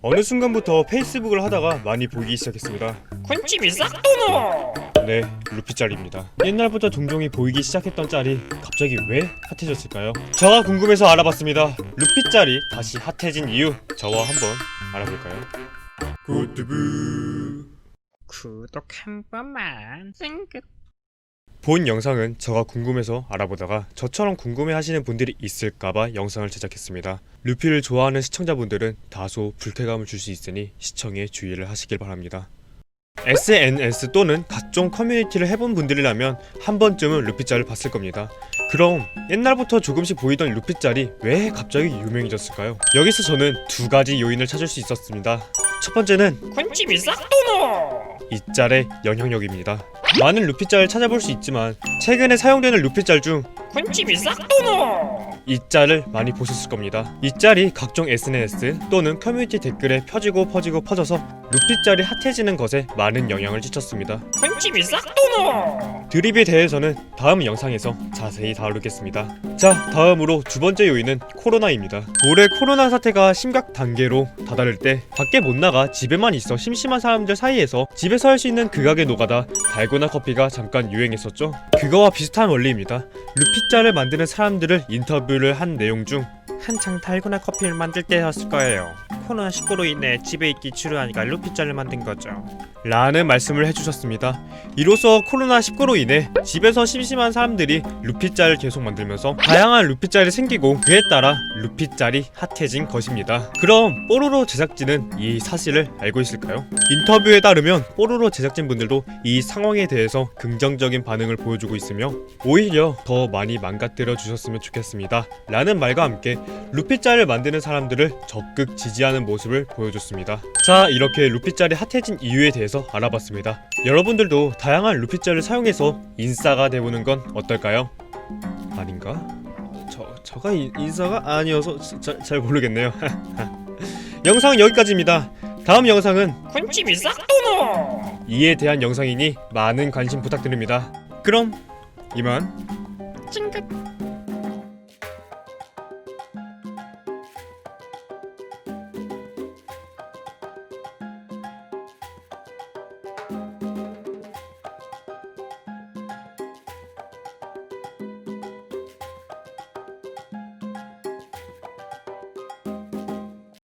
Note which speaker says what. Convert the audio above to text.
Speaker 1: 어느 순간부터 페이스북을 하다가 많이 보이기 시작했습니다.
Speaker 2: 군침이 싹 도노.
Speaker 1: 네, 루피 짤입니다. 옛날부터 종종이 보이기 시작했던 짤이 갑자기 왜 핫해졌을까요? 저가 궁금해서 알아봤습니다. 루피 짤이 다시 핫해진 이유, 저와 한번 알아볼까요? 구두부.
Speaker 2: 구독 한 번만. 찡긋.
Speaker 1: 본 영상은 저가 궁금해서 알아보다가 저처럼 궁금해하시는 분들이 있을까봐 영상을 제작했습니다. 루피를 좋아하는 시청자분들은 다소 불쾌감을 줄 수 있으니 시청에 주의를 하시길 바랍니다. SNS 또는 각종 커뮤니티를 해본 분들이라면 한 번쯤은 루피짤을 봤을 겁니다. 그럼 옛날부터 조금씩 보이던 루피짤이 왜 갑자기 유명해졌을까요? 여기서 저는 두 가지 요인을 찾을 수 있었습니다. 첫 번째는
Speaker 2: 군침이 싹 도노.
Speaker 1: 이 짤의 영향력입니다. 많은 루피짤을 찾아볼 수 있지만 최근에 사용되는 루피짤 중
Speaker 2: 군침이 싹 도노.
Speaker 1: 이 짤을 많이 보셨을 겁니다. 이 짤이 각종 SNS 또는 커뮤니티 댓글에 퍼지고 퍼져서 루피짤이 핫해지는 것에 많은 영향을 끼쳤습니다.
Speaker 2: 군침이 싹 도노.
Speaker 1: 드립에 대해서는 다음 영상에서 자세히 다루겠습니다. 자, 다음으로 두 번째 요인은 코로나입니다. 올해 코로나 사태가 심각 단계로 다다를 때 밖에 못 나가 집에만 있어 심심한 사람들 사이에서 집에서 할 수 있는 극악의 노가다 달고나 커피가 잠깐 유행했었죠. 그거와 비슷한 원리입니다. 루피짤을 만드는 사람들을 인터뷰를 한 내용 중 한창 달고나 커피를 만들 때였을 거예요. 코로나19로 인해 집에 있기 지루하니까 루피짤을 만든 거죠. 라는 말씀을 해주셨습니다. 이로써 코로나19로 인해 집에서 심심한 사람들이 루피짤을 계속 만들면서 다양한 루피짤이 생기고 그에 따라 루피짤이 핫해진 것입니다. 그럼 뽀로로 제작진은 이 사실을 알고 있을까요? 인터뷰에 따르면 뽀로로 제작진분들도 이 상황에 대해서 긍정적인 반응을 보여주고 있으며 오히려 더 많이 망가뜨려 주셨으면 좋겠습니다. 라는 말과 함께 루피짤을 만드는 사람들을 적극 지지하는 모습을 보여줬습니다. 자, 이렇게 루피짤이 핫해진 이유에 대해서 알아봤습니다. 여러분들도 다양한 루피짤을 사용해서 인싸가 돼보는 건 어떨까요? 아닌가? 저가 인싸가 아니어서 잘 모르겠네요. 영상은 여기까지입니다. 다음 영상은
Speaker 2: 군침이 싹 도노.
Speaker 1: 이에 대한 영상이니 많은 관심 부탁드립니다. 그럼 이만.
Speaker 2: 찡긋.